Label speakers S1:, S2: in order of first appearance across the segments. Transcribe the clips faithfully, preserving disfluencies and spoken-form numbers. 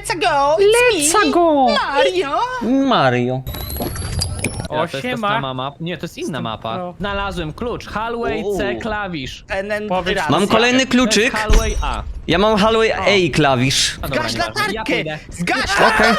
S1: let's go! It's
S2: Let's
S1: me,
S2: go!
S1: Mario!
S2: Mario.
S3: O,
S4: Ja, to jest ta
S3: siema.
S4: sama mapa. Nie, to jest inna mapa.
S3: pro.
S4: Znalazłem klucz. Hallway
S1: Uuu.
S4: C klawisz.
S1: N N
S3: Powiedz-
S1: racja.
S2: Mam kolejny
S4: To jest
S2: kluczyk.
S4: Hallway A.
S2: Ja mam Hallway A klawisz.
S4: A dobra,
S1: Zgaś
S4: nieważne. Ja
S1: latarkę!
S4: pójdę.
S1: Zgaś
S2: Okej.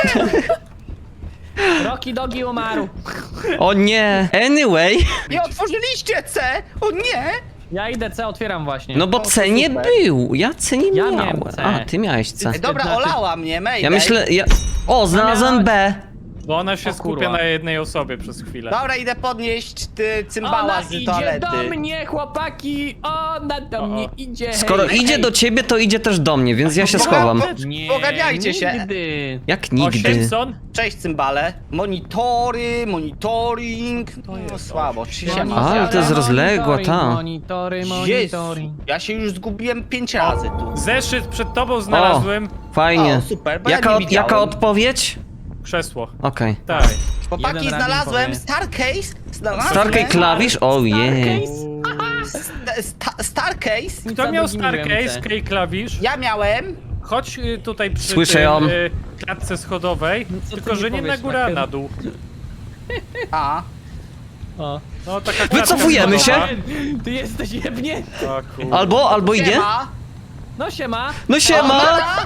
S4: Rocky Dogi umarł.
S2: O nie. Anyway.
S1: Nie otworzyliście C! O nie!
S4: Ja idę C, otwieram właśnie.
S2: No bo C nie
S1: super.
S2: był. Ja C nie
S4: Ja
S2: miałem.
S4: miałem C.
S2: A, ty miałeś C.
S1: Ej, dobra,
S4: Znaczy-
S1: olała mnie, Mayday.
S2: Ja myślę, ja... O, znalazłem B.
S3: Bo ona się
S4: O
S3: skupia
S4: kurwa.
S3: na jednej osobie przez chwilę.
S1: Dobra, idę podnieść ty,
S4: Ona
S1: cymbała z
S4: idzie
S1: toalety.
S4: do mnie, chłopaki! Ona do
S3: O,
S4: mnie
S3: o.
S4: idzie.
S2: Skoro
S4: hej,
S2: idzie
S4: hej.
S2: do ciebie, to idzie też do mnie, więc ja się
S1: Dobra,
S2: schowam.
S1: po-
S4: Nie,
S1: Poganiajcie się.
S4: nigdy.
S2: Jak
S3: O,
S2: nigdy.
S3: Simpson?
S1: Cześć cymbale. Monitory, monitoring. No słabo, czy się ma?
S2: Ale to jest rozległa, ta.
S4: Monitory,
S1: Jezu,
S4: monitory.
S1: ja się już zgubiłem pięć razy tu.
S3: Zeszyt przed tobą znalazłem.
S2: Fajnie.
S1: O, super, bo ja
S2: Jaka,
S1: nie
S2: od,
S1: widziałem.
S2: jaka odpowiedź?
S3: Krzesło.
S2: Okej.
S3: Tak.
S1: Chłopaki,
S4: Jeden rabin
S1: znalazłem
S4: powie.
S1: Starcase. Znalazłem
S2: Starkej klawisz? O jej.
S1: Sta- sta- Starcase.
S3: Kto miał
S4: Nic za drugim
S3: Starcase,
S4: wiem,
S3: K klawisz?
S1: Ja miałem.
S3: Chodź y, tutaj przy
S2: Słyszę
S3: tym,
S2: ją.
S3: y, klatce schodowej,
S4: No co ty
S3: tylko
S4: mi
S3: że nie na
S4: powiesz,
S3: górę, a
S4: Maker?
S3: na dół.
S1: A.
S4: O.
S3: No taka klatka
S2: Wycofujemy się?
S3: schodowa.
S4: Ty jesteś jebnięty.
S3: O, kurwa.
S2: Albo, albo idzie?
S1: Siema.
S4: No siema.
S2: No siema!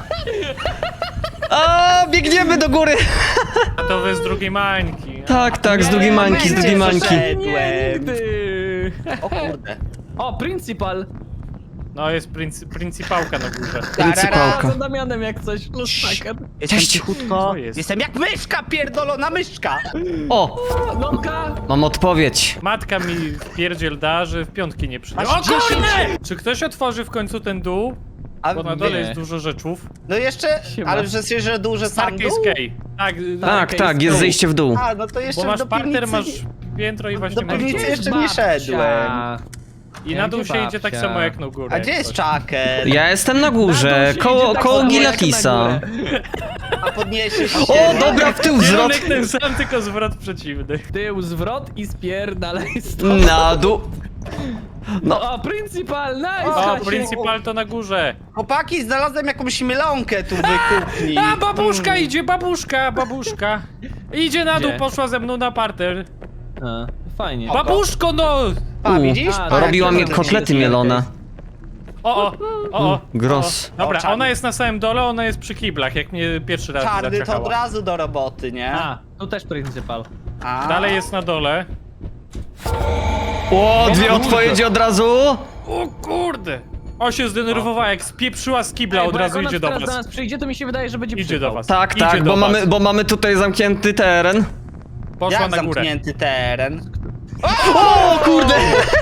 S2: A, biegniemy do góry!
S3: A to wy z drugiej mańki.
S2: Tak, tak, z drugiej mańki, z drugiej mańki.
S1: Wszedłem.
S4: Nigdy.
S1: O kurde.
S4: O, Principal.
S3: No jest pryncy, pryncypałka na górze.
S2: Pryncypałka.
S4: Za Damianem jak coś. Plus Maker.
S1: Jestem
S2: Cześć.
S1: cichutko.
S3: Co jest?
S1: Jestem jak myszka, pierdolona myszka.
S2: O,
S4: Lomka.
S2: mam odpowiedź.
S3: Matka mi pierdziel da, że w piątki nie przyjdzie.
S1: Aż
S3: O
S1: dziesięć.
S3: kurde! Czy ktoś otworzy w końcu ten dół?
S1: A
S3: Bo na dole
S4: nie.
S3: jest dużo rzeczów.
S1: No jeszcze,
S4: Siema.
S1: ale że się, że duże sam dół?
S3: Starcase K. Tak,
S2: Tak,
S4: Okej,
S2: tak, jest
S4: z
S2: zejście w dół.
S1: A, no to jeszcze
S3: bo masz
S1: do
S3: parter,
S1: piwnicy
S3: masz
S1: nie-
S3: piętro i właśnie
S1: do
S3: masz
S1: piwnicy
S3: dół.
S1: jeszcze nie szedłem.
S3: I na dół się idzie tak
S4: babcia?
S3: samo jak na górę.
S1: A gdzie jest Chucker?
S2: Ja jestem na górze, koło, koło Gilatisa.
S1: A podniesiesz się?
S2: O, dobra, w tył zwrot.
S3: Kierunek ten sam, tylko zwrot przeciwny.
S4: Tył, zwrot i spierdalaj stąd.
S2: Na dół. No,
S4: O, Principal, nice!
S3: O,
S4: Hasiu.
S3: Principal to na górze.
S1: Chłopaki, znalazłem jakąś mylonkę tu w kuchni.
S3: A, babuszka idzie, babuszka, babuszka. Idzie na dół,
S4: Gdzie?
S3: poszła ze mną na parter.
S4: A, fajnie.
S1: O,
S3: Babuszko, no!
S1: A,
S2: U,
S1: widzisz?
S4: a,
S1: Pa,
S2: robiła
S1: jak
S2: mnie
S1: to
S2: kotlety
S1: będzie.
S2: mielone.
S3: O, o, o, o.
S2: Gros.
S3: o. Dobra,
S1: O, czarny.
S3: ona jest na samym dole, ona jest przy kiblach, jak mnie pierwszy raz
S1: Czarny to od
S3: zaciachała.
S1: razu do roboty, nie?
S4: A, tu też Principal.
S1: A.
S3: Dalej jest na dole.
S2: O, dwie odpowiedzi od razu.
S3: O kurde! O, się zdenerwowała, jak spieprzyła z kibla,
S4: Ej,
S3: od
S4: bo jak
S3: razu
S4: ona
S3: idzie do
S4: teraz do
S3: was.
S4: nas przyjdzie, to mi się wydaje, że będzie
S3: Idzie
S4: przypał.
S3: do was.
S2: Tak,
S3: Idzie
S2: tak,
S3: do
S2: bo
S3: was.
S2: mamy, bo mamy tutaj zamknięty teren.
S3: Poszła
S1: Jak
S3: na górę.
S1: zamknięty teren?
S2: O, kurde!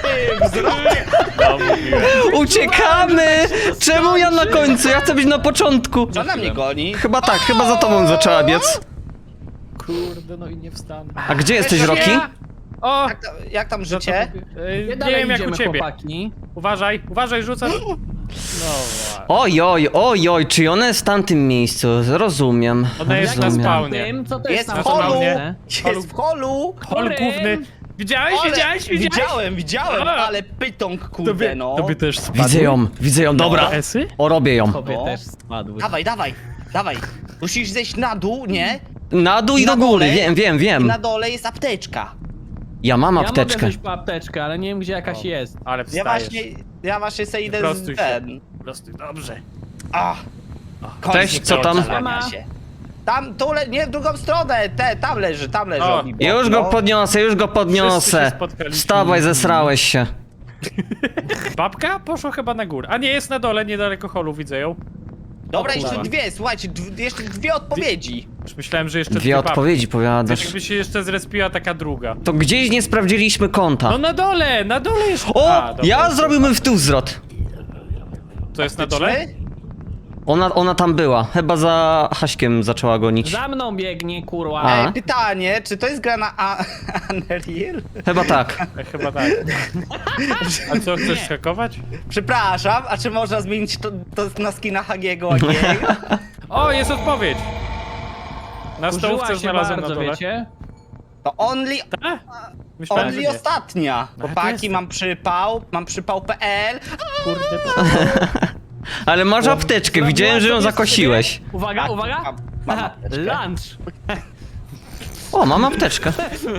S3: No, mówiłem.
S2: Uciekamy! Czemu ja na końcu? Ja chcę być na początku.
S1: Co na mnie goni?
S2: Chyba tak, chyba za tobą zaczęła biec.
S3: Kurde, no i nie wstanę.
S2: A gdzie jesteś, Roki?
S3: O!
S1: Jak, tam- jak tam
S3: za to-
S1: życie?
S3: Ej,
S4: Nie
S3: Nie
S4: dalej
S3: wiem jak u
S4: idziemy,
S3: ciebie.
S4: chłopaki.
S3: Uważaj, uważaj, rzucam. No właśnie.
S2: Oj, oj, oj, oj, czy ona jest w tamtym miejscu? Rozumiem.
S3: Ona jest na
S2: rozumiem.
S3: spawnie.
S4: Tym, co to
S1: Jest
S4: jest
S1: w
S4: tam
S1: holu!
S4: spawnie?
S1: Jest w holu!
S3: Hol
S4: Chorym.
S3: główny. Widziałeś,
S1: Ale-
S3: widziałeś, widziałeś?
S1: Widziałem, widziałem,
S3: A.
S1: ale pytąg, kurde
S3: Tobie,
S1: no.
S3: tobie też spadły?
S2: Widzę ją, widzę ją, dobra.
S3: Esy?
S2: O, robię ją.
S4: Tobie
S1: No.
S4: też spadły.
S1: Dawaj, dawaj, dawaj. Musisz zejść na dół, nie?
S2: Na dół i
S1: Na
S2: do góry,
S1: dole.
S2: wiem, wiem,
S1: I
S2: wiem.
S1: na dole jest apteczka.
S2: Ja mam
S4: Ja
S2: apteczkę.
S4: mogę wziąć po apteczkę, ale nie wiem gdzie jakaś
S3: O.
S4: jest.
S3: Ale
S1: Ja
S3: wstajesz.
S1: właśnie, ja właśnie sobie idę
S3: Prostuj
S1: z
S3: się.
S1: ten.
S3: Prostuj, dobrze.
S1: A,
S2: Cześć, co tam?
S1: Zalania się. Tam, tu, le, nie w drugą stronę, te, tam leży, tam leży.
S3: O,
S1: Obi-Wan,
S2: Już go
S1: no.
S2: podniosę, już go
S3: Wszyscy się
S2: podniosę.
S3: spotkaliśmy.
S2: Wstawaj, zesrałeś się.
S3: Babka poszła chyba na górę. A nie, jest na dole, niedaleko holu, widzę ją.
S1: Dobra,
S3: O,
S1: jeszcze
S3: kurwa.
S1: dwie, słuchajcie, dwie, jeszcze dwie odpowiedzi.
S3: Już myślałem, że jeszcze
S2: Dwie
S3: babki.
S2: odpowiedzi powiadasz.
S3: Jakby się jeszcze zrespiła taka druga.
S2: To gdzieś nie sprawdziliśmy kąta.
S3: No na dole, na dole jest...
S2: O,
S3: A, dobra.
S2: ja zrobiłbym w tył zwrot.
S3: To jest na dole?
S1: Faktyczny?
S2: Ona, ona tam była. Chyba za Haśkiem zaczęła gonić.
S4: Za mną biegnie, kurwa.
S2: A?
S1: Ej, pytanie, czy to jest gra na A- Unreal?
S2: Chyba tak.
S3: E, Chyba tak. A co, chcesz skakować?
S1: Przepraszam, a czy można zmienić to, to na skina Hagiego Agiego?
S3: O, jest odpowiedź! Na
S4: Użyła
S3: stołówce
S4: się
S3: znalazłem
S4: bardzo,
S3: na dole.
S4: wiecie?
S1: To only,
S3: A? Myślałem, że
S1: only
S3: nie.
S1: ostatnia.
S3: No, to
S1: Chłopaki,
S3: jest-
S1: mam przypał, mam przypał kropka pe el.
S3: Kurde,
S2: Ale masz apteczkę, widziałem, że ją
S4: Zrobiła sobie
S2: zakosiłeś.
S4: sobie- Uwaga,
S1: Tak,
S4: uwaga!
S1: mam- mam
S4: Aha,
S1: apteczkę.
S4: lunch!
S2: O, mam apteczkę.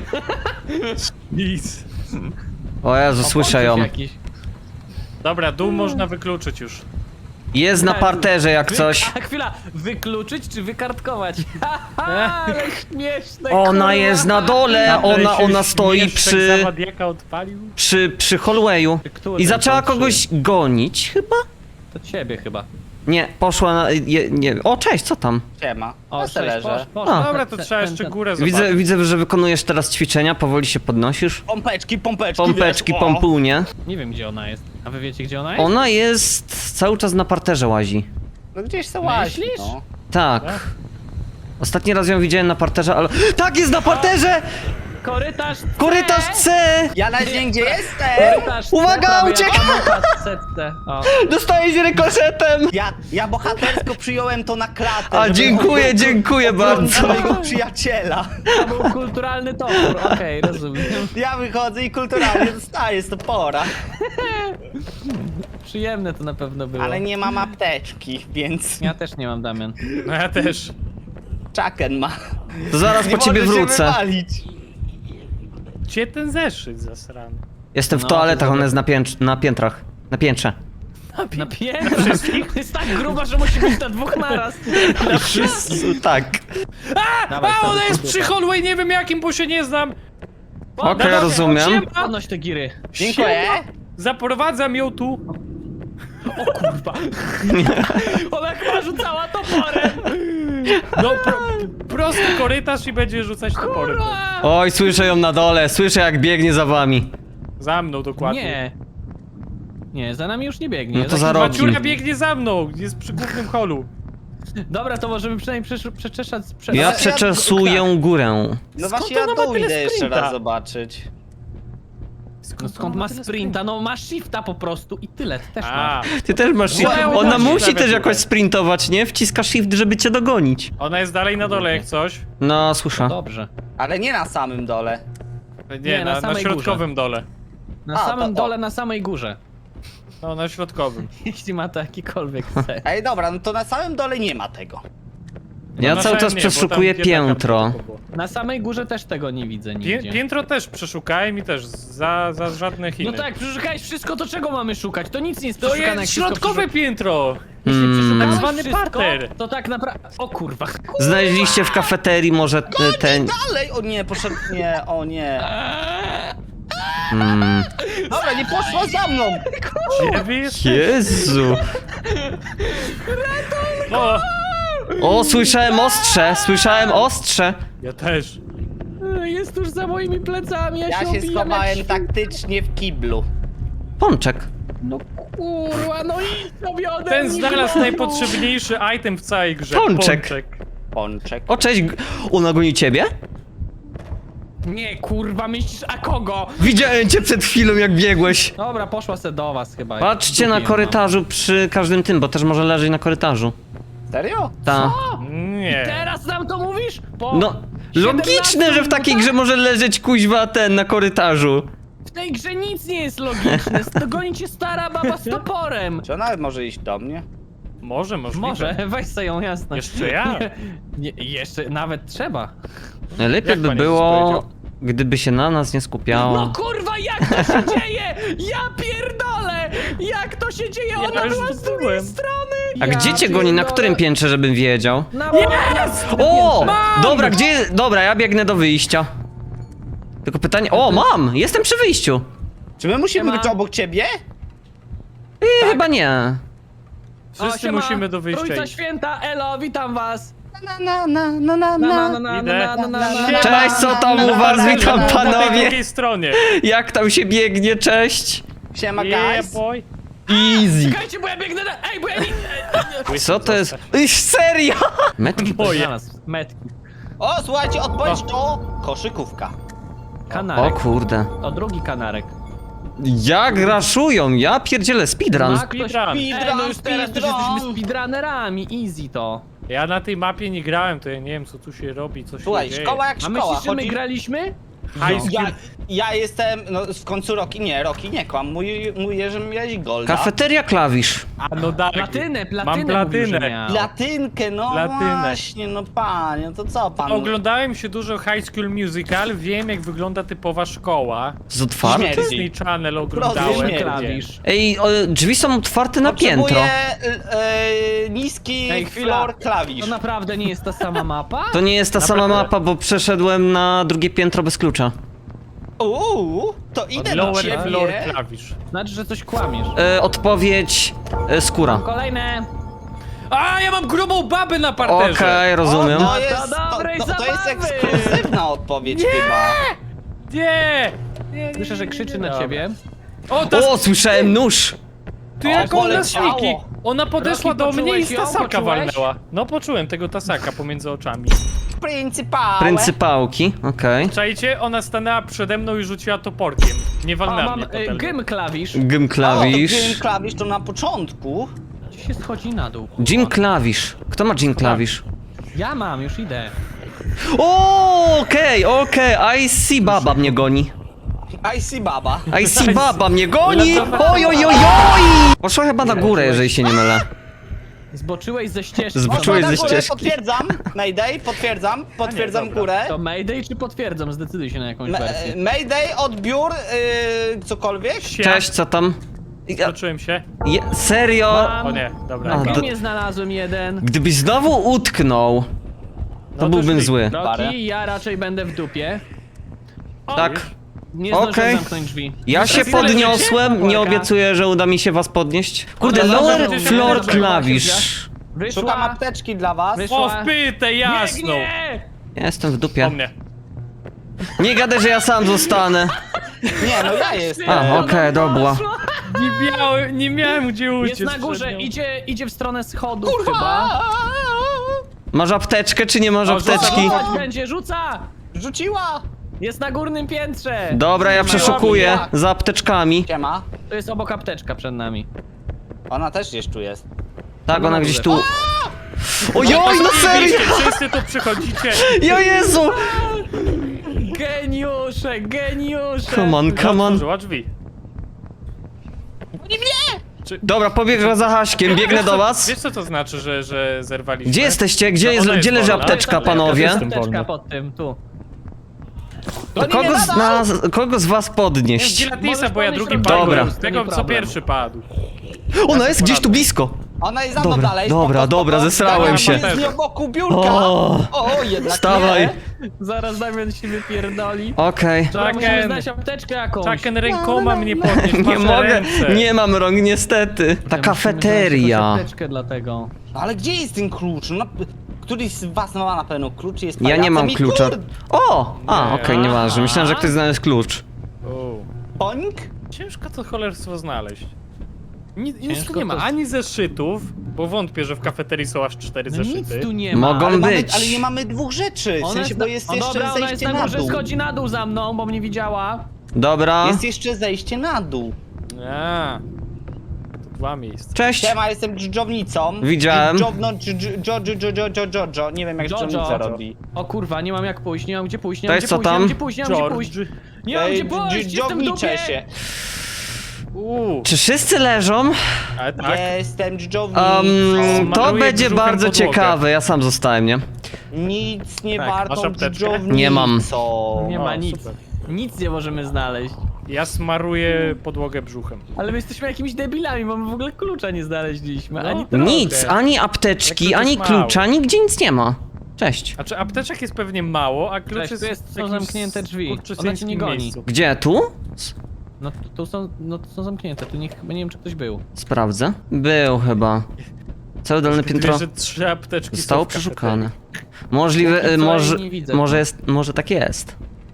S3: Nic.
S2: O Jezu,
S4: O,
S2: słyszę ją.
S4: pączek jakiś.
S3: Dobra, dół można wykluczyć już.
S2: Jest na parterze jak
S4: Wy-
S2: coś.
S4: A chwila, wykluczyć czy wykartkować? Haha, ale śmieszne,
S2: Ona
S4: kurwa.
S2: jest na dole, ona,
S3: się
S2: ona stoi
S3: śmieszek
S2: przy,
S3: zawadiaka odpalił.
S2: przy, przy hallwayu.
S4: Który
S2: I zaczęła
S4: to
S2: kogoś gonić chyba?
S4: To ciebie chyba.
S2: Nie, poszła na, je, nie. O, cześć, co tam?
S1: Siema.
S4: O,
S1: O,
S4: cześć, posz,
S1: leżę.
S4: posz,
S2: A.
S3: Dobra, to
S4: ten-
S3: trzeba
S4: ten-
S3: jeszcze
S4: ten-
S3: górę zobaczyć.
S2: Widzę, widzę, że wykonujesz teraz ćwiczenia, powoli się podnosisz.
S1: Pompeczki, pompeczki,
S2: Pompeczki,
S1: wiesz, o.
S2: pompunie.
S4: Nie wiem gdzie ona jest. A wy wiecie gdzie ona jest?
S2: Ona jest cały czas na parterze łazi.
S1: No gdzieś se łazi,
S4: Myślisz?
S1: no.
S2: Tak.
S3: Tak?
S2: Ostatni raz ją widziałem na parterze, ale... Tak, jest na parterze!
S4: Korytarz C!
S2: Korytarz C!
S1: Ja na dzień gdzie jestem!
S4: Korytarz C,
S2: Uwaga,
S4: prawie
S2: uciekaj!
S4: jak Amoka w setce. O.
S2: Dostajesz rykoszetem!
S1: Ja, ja bohatersko przyjąłem to na klatę.
S2: A,
S1: żeby
S2: dziękuję,
S1: on-
S2: dziękuję
S1: oglądał
S2: bardzo.
S1: mojego przyjaciela.
S4: To był kulturalny topór, okej, rozumiem.
S1: Ja wychodzę i kulturalnie dostaję z topora.
S4: Przyjemne to na pewno było.
S1: Ale nie mam apteczki, więc
S4: Ja też nie mam, Damian.
S3: No ja też.
S1: Chucken ma.
S2: To zaraz
S1: Nie
S2: po ciebie
S1: może się
S2: wrócę.
S1: wywalić.
S3: Gdzie ten zeszyt zasrany?
S2: Jestem w
S4: No,
S2: toaletach,
S4: to
S2: ona jest na, piętrz, na piętrach. Na piętrze.
S4: Na piętrze wszystkich? Jest tak gruba, że musi być na dwóch naraz. Na wszystkich.
S2: Tak.
S4: Dawaj,
S3: A,
S4: stary,
S3: ona jest
S4: tutaj.
S3: przy hallway, nie wiem jakim, bo się nie znam.
S2: Okej,
S3: Dawaj,
S2: rozumiem.
S4: Podnoś te giry.
S1: Dziękuję.
S3: Zaprowadzam ją tu.
S4: O kurwa. Ona chyba rzucała toporem.
S3: No, pro, prosty korytarz i będzie rzucać toporem.
S4: Kurwa.
S2: Oj, słyszę ją na dole, słyszę jak biegnie za wami.
S3: Za mną dokładnie.
S4: Nie. Nie, za nami już nie biegnie.
S2: No to
S4: Za-
S2: za rogi.
S3: Maciurka biegnie za mną, jest przy głównym holu.
S4: Dobra, to możemy przynajmniej przesz- przeczeszać... Prze...
S2: Ja
S1: ja-
S2: przeczesuję górę.
S1: No
S3: Skąd
S1: właśnie ja
S3: ona ma
S1: dół
S3: tyle
S1: idę jeszcze
S3: sprinta?
S1: raz zobaczyć.
S4: No skąd ma sprinta? No ma shifta po prostu i tyle, ty też
S3: A,
S4: masz.
S2: Ty też masz shift.
S3: Moja
S2: Ona
S3: uda się
S2: musi
S3: prawie
S2: też
S3: tutaj.
S2: jakoś sprintować, nie? Wciska shift, żeby cię dogonić.
S3: ona jest dalej na dole jak coś.
S2: No, słyszę.
S4: Dobrze.
S1: Ale nie na samym dole.
S3: Nie,
S4: Nie, na
S3: na, na
S4: samej
S3: środkowym dole.
S4: Na
S1: A,
S4: samym
S1: to- o.
S4: dole, na samej górze.
S3: No, na środkowym.
S4: Jeśli ma to jakikolwiek cel.
S1: Ej, dobra, no to na samym dole nie ma tego.
S2: Ja
S3: Na
S2: cały
S3: samym
S2: czas
S3: nie, bo tam
S2: przeszukuję
S3: biedaka
S2: piętro.
S3: tylko było.
S4: Na samej górze też tego nie widzę
S3: Pię,
S4: nigdzie.
S3: piętro też przeszukałem i też za, za żadne Chiny.
S4: No tak, przeszukałeś wszystko, to czego mamy szukać? To nic nie jest
S3: To
S4: przeszukane, jak
S3: jest
S4: wszystko
S3: środkowe
S4: przeszu-
S3: piętro!
S4: Jeśli
S2: Mm.
S4: przeszukałeś
S3: Tak zwany
S4: wszystko,
S3: parter.
S4: to tak naprawdę... O kurwa.
S2: Znaleźliście w kafeterii może e, ten...
S1: Dalej! O nie, poszedł. Nie, o nie.
S2: Mm.
S1: Dobra, nie poszła za mną!
S3: Gdzie wy jest?
S2: Jezu.
S3: O!
S2: O, słyszałem ostrze, słyszałem ostrze.
S3: Ja też.
S4: Jest tuż za moimi plecami, ja,
S1: Ja
S4: się
S1: się
S4: obijam
S1: schowałem
S4: jak
S1: taktycznie w kiblu.
S2: Pączek.
S4: No kurwa, no idź sobie ode
S3: Ten
S4: mnie,
S3: znalazł
S4: gnoju.
S3: najpotrzebniejszy item w całej grze.
S2: Pączek.
S1: Pączek.
S2: O, cześć. G- Ona goni ciebie?
S4: Nie, kurwa, myślisz, a kogo?
S2: Widziałem cię przed chwilą, jak biegłeś.
S4: Dobra, poszła se do was chyba.
S2: Patrzcie na
S4: Dupię ją
S2: korytarzu przy każdym tym, bo też może leżeć na korytarzu.
S1: Serio?
S2: Ta.
S3: Nie.
S4: mam. Teraz nam to mówisz? Po
S2: No, logiczne, że w takiej grze może leżeć kuźwa ten na korytarzu.
S4: W tej grze nic nie jest logiczne. Dogoni cię stara baba z toporem.
S1: Czy ona może iść do mnie?
S3: Może, możliwe.
S4: Może, weź se ją, jasne.
S3: Jeszcze ja?
S4: Nie, jeszcze, nawet trzeba.
S2: Lepiej
S3: Jak
S2: by
S3: pan Jezus
S2: było,
S3: powiedział?
S2: gdyby się na nas nie
S4: No
S2: skupiała.
S4: kurwa, jak to się dzieje? Ja pierdolę! Jak to się dzieje?
S3: Ja
S4: Ona
S3: już
S4: była z drugiej
S3: byłem.
S4: strony!
S2: A
S4: Ja
S2: gdzie cię goni? Na
S4: pierdolę.
S2: którym piętrze, żebym wiedział?
S4: Na
S3: Jest!
S2: O!
S3: Mam!
S2: Dobra, gdzie... Dobra, ja biegnę do wyjścia. Tylko pytanie... O, mam! Jestem przy wyjściu.
S1: Czy my musimy
S4: Siema.
S1: być obok ciebie?
S2: Yy, Chyba nie.
S3: Wszyscy musimy do wyjścia
S4: Trójca
S3: iść.
S4: święta, elo, witam was!
S1: Na na na na na
S4: Na, na,
S1: na.
S4: na, na,
S3: Idę.
S4: na, na, na, na, na.
S2: Cześć, co tam u was? Witam
S3: Po tej
S2: panowie.
S3: drugiej stronie.
S2: Jak tam się biegnie? Cześć.
S1: Siema
S3: Yeah,
S1: guys.
S3: boy.
S2: Easy.
S4: Czekajcie, bo ja biegnę na... Ej, bo ja nie...
S2: Co to jest? Iś, serio? Metki.
S3: Moje.
S4: Znalazł metki.
S1: O, słuchajcie, odpowiedź to koszykówka.
S2: O
S4: Kanarek.
S2: kurde.
S4: To drugi kanarek.
S2: Jak raszują? Ja pierdzielę speedrun.
S4: Ma ktoś...
S3: Speedrun.
S4: Ej, no już teraz też
S1: Speedrun.
S4: jesteśmy speedrunnerami, easy to.
S3: Ja na tej mapie nie grałem, to ja nie wiem co tu się robi, co się
S1: Słuchaj,
S3: dzieje.
S1: szkoła jak
S4: A
S1: szkoła.
S4: myślisz, że my
S1: Chodzi...
S4: graliśmy?
S3: High
S1: Ja,
S3: school.
S1: ja jestem, no w końcu Roki, nie, Roki nie kłam, mój, mój Jerzy miałeś golda.
S2: Kafeteria klawisz.
S3: A no tak.
S4: Platynę, platynę
S3: Mam
S4: mówił,
S3: platynę.
S4: że miał.
S1: Platynkę, no
S3: Platynę.
S1: właśnie, no panie, to co pan?
S3: Oglądałem się dużo High School Musical, wiem jak wygląda typowa szkoła.
S2: Z otwarty?
S1: Śmierć.
S3: Disney Channel oglądałem.
S1: śmierdzie.
S4: Klawisz.
S2: Ej, o, drzwi są otwarte na piętro.
S1: Potrzebuję e, niski
S4: Ej, chwila.
S1: floor klawisz.
S4: To naprawdę nie jest ta sama mapa?
S2: To nie jest ta sama
S3: Naprawdę?
S2: mapa, bo przeszedłem na drugie piętro bez klucza.
S1: Uuu, to idę do
S3: Lower floor
S1: ciebie.
S3: klawisz.
S4: Znaczy, że coś kłamiesz.
S2: E, odpowiedź e, skóra.
S4: Kolejne.
S3: A, ja mam grubą babę na parterze!
S2: Okej, rozumiem.
S1: O,
S4: No
S1: to
S4: to
S1: jest, to,
S4: dobrej
S1: to, to jest
S4: zabawy.
S1: ekskluzywna odpowiedź chyba.
S3: Nie! nie, nie
S4: Słyszę, że
S3: nie,
S4: krzyczy
S3: nie,
S4: na
S3: dobra.
S4: ciebie.
S3: O, ta
S2: O, słyszałem nóż!
S3: Ty
S1: O,
S3: jak ona
S1: poleciało.
S3: sniki! Ona podeszła
S4: Rocky,
S3: do mnie i
S4: poczułeś
S3: z
S4: ją?
S3: tasaka
S4: Poczułeś?
S3: walnęła. No poczułem tego tasaka pomiędzy oczami.
S1: Pryncypałe.
S2: Pryncypałki, okej.
S3: Czajcie, ona stanęła przede mną i rzuciła toporkiem. Nie
S4: O,
S3: walnęła
S4: mam
S3: mnie
S4: y,
S3: potem.
S4: gym klawisz.
S2: Gym
S1: O, to
S2: klawisz.
S1: gym klawisz to na początku.
S4: Gdzie się schodzi na dół?
S2: Jim klawisz. Kto ma Jim klawisz?
S4: Ja mam, już idę.
S2: O, okej, okej, I see baba mnie goni.
S1: I see baba.
S2: I see baba mnie goni! Oj, oj, oj, oj! Poszła chyba na górę, jeżeli się nie mylę.
S4: Zboczyłeś ze ścieżki.
S2: Zboczyłeś
S1: Poszła
S2: ze
S1: na górę,
S2: ścieżki.
S1: Potwierdzam. Mayday, potwierdzam. Potwierdzam
S3: dobra.
S1: górę.
S4: To Mayday czy potwierdzam? Zdecyduj się na jakąś
S1: Ma-
S4: wersję.
S1: Mayday, odbiór, yy, cokolwiek.
S2: Cześć, co tam? Ja,
S3: Zobaczyłem się.
S2: je, serio?
S4: Mam.
S3: O nie, dobra.
S2: A,
S4: Na
S2: do-
S4: gymie znalazłem jeden.
S2: Gdybyś znowu utknął, to
S3: to
S2: byłbym
S3: szli.
S2: zły.
S1: Parę.
S4: Rocky, ja raczej będę w dupie. O,
S2: Tak.
S4: Nie zdążyłem
S2: Okej.
S4: zamknąć drzwi.
S2: Ja się
S4: Trafiłem
S2: podniosłem,
S4: życie?
S2: nie
S4: Uwaga.
S2: obiecuję, że uda mi się was podnieść. Kurde,
S4: Dobra,
S2: lower
S4: dobra,
S2: floor
S4: dobra,
S2: klawisz.
S4: Wyszła.
S1: Szukam apteczki dla was.
S4: Wyszła.
S3: O, w pytę, jasną!
S4: Biegnie!
S2: Ja jestem w
S3: Po
S2: dupie.
S3: mnie.
S2: Nie gadaj, że ja sam zostanę.
S1: Nie, no ja jestem.
S2: A,
S4: Ona
S2: okej, dobra.
S4: poszła.
S3: Nie miałem, nie miałem gdzie uciec.
S4: Jest na górze,
S3: przed nią.
S4: idzie, idzie w stronę schodów chyba.
S2: Masz apteczkę, czy nie masz
S3: O, rzuca,
S2: apteczki?
S3: rzuca.
S4: Rzucać będzie, rzuca!
S1: Rzuciła.
S4: Jest na górnym piętrze.
S2: Dobra, ja przeszukuję za apteczkami.
S1: Siema.
S4: To jest obok apteczka przed nami.
S1: Ona też gdzieś tu jest.
S2: Tak, ona
S4: na
S2: gdzieś
S4: górze.
S2: tu... Ojoj, no serio!
S3: Wszyscy tu przychodzicie.
S2: Jo Jezu!
S4: Geniusze, geniusze!
S2: Come on, come on.
S3: Otworzyła drzwi.
S2: Dobra, pobiegła za Haśkiem, biegnę do was.
S3: Wiesz co to znaczy, że, że zerwaliśmy?
S2: Gdzie jesteście? Gdzie,
S3: No,
S2: jest,
S3: ona jest
S2: gdzie leży
S3: wolna.
S2: apteczka,
S4: To jest
S2: panowie?
S3: Jestem
S4: apteczka
S3: wolny.
S4: pod tym, tu.
S1: To nie
S2: Kogo
S1: nie
S2: z,
S1: nadal.
S2: nas, kogo z was podnieść?
S3: Gilatisa,
S4: Możesz
S3: bo ja
S4: podnieść
S3: drugi
S4: rękę.
S3: padłem.
S2: Dobra.
S3: Z tego,
S4: To nie
S3: co
S4: problem.
S3: pierwszy padł.
S2: Ona jest gdzieś tu blisko.
S1: Ona jest za mną
S2: Dobra,
S1: dalej.
S2: dobra,
S1: spoko,
S2: dobra,
S1: spoko.
S2: zesrałem
S1: Damian
S2: się.
S1: jest nie obok biurka.
S2: O.
S1: O, jednak
S2: Wstawaj.
S1: nie.
S4: Zaraz Damian się wypierdoli.
S2: Okej.
S4: Dobra, musimy
S3: Chucken.
S4: znaleźć apteczkę jakąś.
S3: Chucken rękoma mnie podnieść,
S2: Nie
S3: masz
S2: mogę,
S3: ręce.
S2: nie mam rąk niestety. Ta
S4: Musimy
S2: kafeteria.
S4: znaleźć jakąś apteczkę dlatego.
S1: No ale gdzie jest ten klucz? No, któryś z was ma na pewno klucz, jest
S2: Ja nie
S1: pajacem
S2: mam
S1: i
S2: klucza.
S1: kur-
S2: O! A,
S3: Nie.
S2: okej, nieważne. Myślałem, że ktoś znalazł klucz.
S3: O.
S1: Pońk?
S3: Ciężko to cholerstwo znaleźć. Ni, nic
S4: Ciężko
S3: tu nie ma,
S4: to-
S3: ani zeszytów, bo wątpię, że w kafeterii są aż cztery
S4: No
S3: zeszyty.
S4: nic tu nie ma.
S2: Mogą
S1: Ale, mamy,
S2: być.
S1: ale nie mamy dwóch rzeczy, w
S4: Ona
S1: sensie,
S4: jest
S1: bo
S4: na...
S1: jest
S4: o,
S1: jeszcze
S4: dobra, ona jest
S1: zejście
S4: na
S1: na
S4: górze,
S1: dół.
S4: schodzi na dół za mną, bo mnie widziała.
S2: Dobra.
S1: Jest jeszcze zejście na dół.
S3: A, to dwa miejsca.
S2: Cześć.
S1: Siema, jestem dżdżownicą.
S2: Widziałem.
S1: Dżdżowno, dż- dżo, dżo, dżo, dżo, dżo, dżo, dżo. Nie wiem jak
S4: Jojo.
S1: dżdżownica robi.
S4: O kurwa, nie mam jak pójść, nie mam gdzie pójść, nie mam
S2: Cześć,
S4: gdzie
S2: co
S4: pójść, nie
S2: tam?
S4: mam gdzie pójść, nie mam gdzie
S3: George.
S4: pójść. Nie mam gdzie
S1: Ej,
S4: pójść, jestem w
S1: dżdżowniczę
S4: dupie.
S1: się.
S3: Uuu,
S2: Czy wszyscy leżą?
S3: ale tak.
S1: Jestem dżdżownicą.
S2: Um, to
S3: Smaruję
S2: będzie
S3: brzuchem
S2: bardzo
S3: podłogę.
S2: ciekawe. Ja sam zostałem, nie?
S1: Nic nie
S3: Tak, masz
S1: wartą
S3: apteczkę?
S1: dżdżownicą.
S2: Nie mam.
S4: Nie
S3: O,
S4: ma nic.
S3: super.
S4: Nic nie możemy znaleźć.
S3: Ja smaruję podłogę brzuchem.
S4: Ale my jesteśmy jakimiś debilami, bo my w ogóle klucza nie znaleźliśmy,
S3: No.
S4: ani trochę.
S2: Nic, ani apteczki,
S3: Jak to
S2: ani
S3: jest mało.
S2: klucza, nigdzie nic nie ma. Cześć.
S3: Znaczy apteczek jest pewnie mało, a klucz
S4: Cześć,
S3: jest
S4: tu jest-
S3: w
S4: są
S3: jakimś
S4: zamknięte drzwi.
S3: skurczysyńskim
S4: Ona cię nie goni.
S3: miejscu.
S2: Gdzie? Tu?
S4: No tu- tu są, no tu są zamknięte, tu nie, chyba nie wiem czy ktoś był.
S2: Sprawdzę. Był chyba. Całe dolne piętro
S3: Wiesz, że trzy apteczki
S2: zostało
S3: są w kafeterii.
S2: przeszukane. Możliwe,
S4: Póki
S2: y,
S4: co
S2: może,
S4: jej nie widzę.
S2: może jest, może tak jest.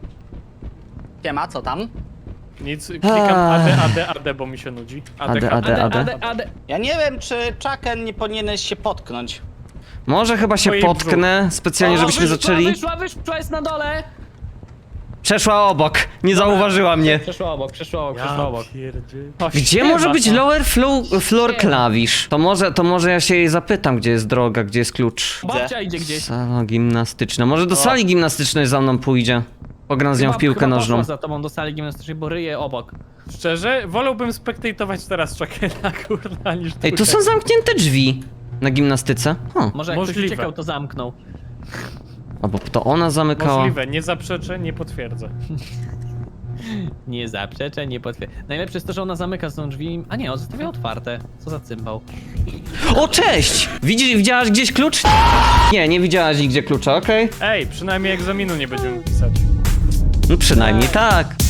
S1: Siema, co tam?
S3: Nic, klikam
S2: Ah.
S3: A D, A D, A D, bo mi się nudzi.
S2: A D,
S3: K,
S2: A D.
S4: Ade, ade, ade.
S1: Ja nie wiem, czy Chucken nie powinieneś się potknąć.
S2: Może chyba się
S3: Twojej
S2: potknę, specjalnie
S4: O,
S2: żebyśmy
S4: wyszła,
S2: zaczęli.
S4: Wyszła, wyszła, jest na dole!
S2: Przeszła obok, nie zauważyła mnie.
S4: Przeszła obok, przeszła obok, przeszła
S3: Ja
S4: obok.
S3: pierdzie... O,
S2: Gdzie
S3: siema,
S2: może być
S3: no.
S2: lower floor, floor
S4: Siema.
S2: klawisz? To może, to może ja się jej zapytam, gdzie jest droga, gdzie jest klucz.
S4: Babcia idzie gdzieś.
S2: Sala gimnastyczna. Może do
S3: O.
S2: sali gimnastycznej za mną pójdzie. Pogram z nią w
S4: Chyba-
S2: piłkę
S4: chyba
S2: nożną.
S4: poszła za tobą do sali gimnastycznej, bo ryje obok.
S3: Szczerze, wolałbym spektatować teraz Chokena, kurna, niż
S2: Ej, tu są zamknięte drzwi na gimnastyce. O,
S4: Może jak
S3: Możliwe.
S4: ktoś uciekał, to zamknął.
S2: albo to ona zamykała.
S3: Możliwe, nie zaprzeczę, nie potwierdzę.
S4: Nie zaprzeczę, nie potwierdzę. Najlepsze jest to, że ona zamyka z tą drzwi. A nie, on zostawia otwarte. Co za cymbał.
S2: O, cześć! Widzi, widziałaś gdzieś klucz? Nie, nie widziałaś nigdzie klucza, okej?
S3: Ej, przynajmniej egzaminu nie będziemy pisać.
S2: No przynajmniej tak.